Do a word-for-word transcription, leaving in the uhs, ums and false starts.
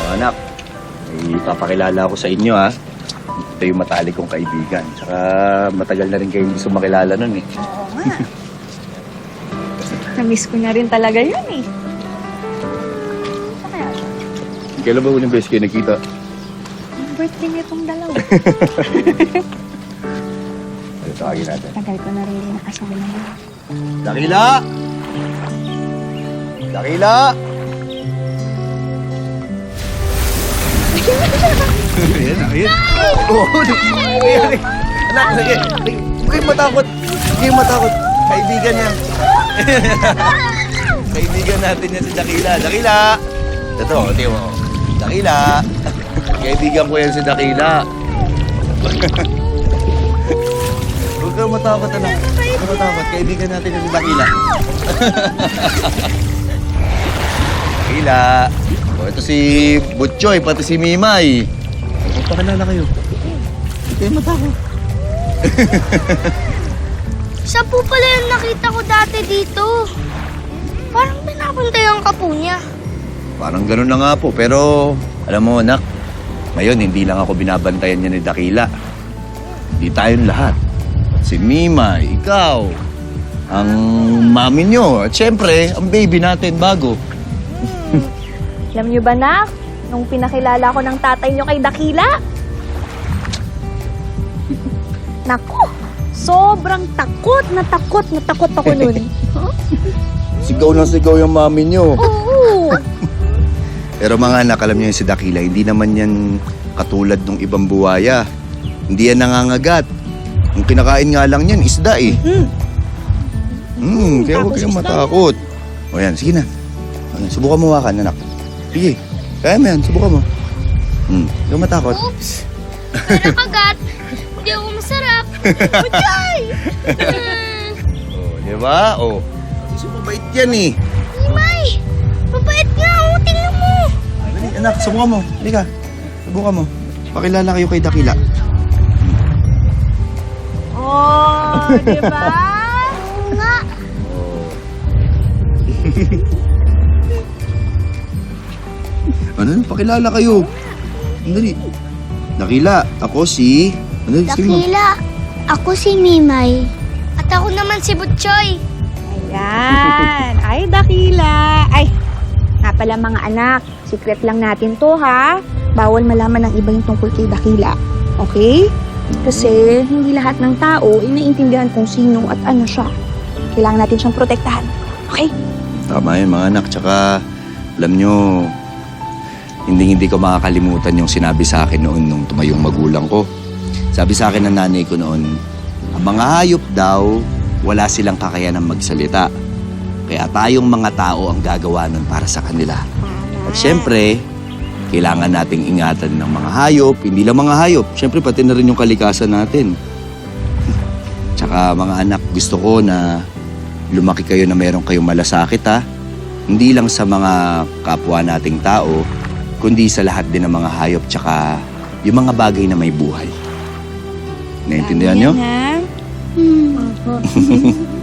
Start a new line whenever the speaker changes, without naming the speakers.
Mga anak, ipapakilala ako sa inyo ha. Ito yung matalik kong kaibigan. Tsaka matagal na rin kayo hindi sumakilala nun eh.
Oo nga. Namiss ko na rin talaga yun eh. Saan kaya siya?
Kailan ba unang beses kayo nakita?
Ang birthday nitong dalawa.
Ano tawagin natin?
Tagal ko na rin din nakasama na.
Dakila! Dakila! Ayan, ayan. Oo, ayan. Anak, sige. Huwag kayong matakot. Huwag kayong matakot. Kaibigan yan. Kaibigan natin yan si Dakila. Dakila! Ito, tiyo mo. Dakila! Kaibigan ko yan si Dakila. Huwag kang matakot, anak. Huwag kang matakot. Kaibigan natin yan si Dakila. Dakila! O, ito si Butchoy, pati si Mimay. Magpakilala kayo. Huwag kayong matakot.
Siya po pala yung nakita ko dati dito. Parang pinapuntayan ka po niya.
Parang ganun na nga po, pero alam mo, anak, ngayon hindi lang ako binabantayan niya ni Dakila. Hindi tayong lahat. Si Mimay, ikaw, ang mami niyo, at syempre, ang baby natin bago.
Alam niyo ba, Nak? Nung pinakilala ko ng tatay niyo kay Dakila, naku, sobrang takot na takot na takot ako nun.
Sigaw na sigaw yung mami niyo.
Oo.
Pero mga anak, alam niyo yung si Dakila, hindi naman yan katulad ng ibang buwaya. Hindi yan nangangagat. Ang kinakain nga lang yan, isda eh.
Mm.
Hmm, kaya huwag
Tapos
kayong
isda.
matakot. O yan, sige na. Ayan, subukan mo wakan, anak. Sige, kaya mo yan, subukan mo. Hmm, huwag kang matakot.
Oops! Para kagat. Hindi ako masarap. Butchoy!
Oh, di ba? Oh. Kasi mabait yan eh.
Imay! Mabait nga ako. Tingnan mo.
Dali, anak, subukan mo. Dali ka. Subukan mo. Pakilala kayo kay Dakila.
Oh, di ba?
Oo nga.
Ano? Pakilala kayo. Dali. Dakila, ako si... Ano? Sige mo.
Dakila, ako si Mimay. At ako naman si Butchoy.
Ayan. Ay, Dakila. Ay, nga pala mga anak. Secret lang natin to, ha? Bawal malaman ng iba yung tungkol kay Dakila. Okay? Kasi hindi lahat ng tao ay naiintindihan kung sino at ano siya. Kailangan natin siyang protektahan. Okay?
Tama yun, mga anak. Tsaka, alam nyo, hindi hindi ko makakalimutan yung sinabi sa akin noon nung tumayong magulang ko. Sabi sa akin ng nanay ko noon, ang mga hayop daw, wala silang kakayanang magsalita. Kaya tayong mga tao ang gagawa nun para sa kanila. At syempre, kailangan nating ingatan ng mga hayop, hindi lang mga hayop, syempre pati na rin yung kalikasan natin. Tsaka mga anak, gusto ko na lumaki kayo na meron kayong malasakit ha. Hindi lang sa mga kapwa nating tao, kundi sa lahat din ng mga hayop tsaka yung mga bagay na may buhay. Naintindihan nyo?
Ha?
Hmm.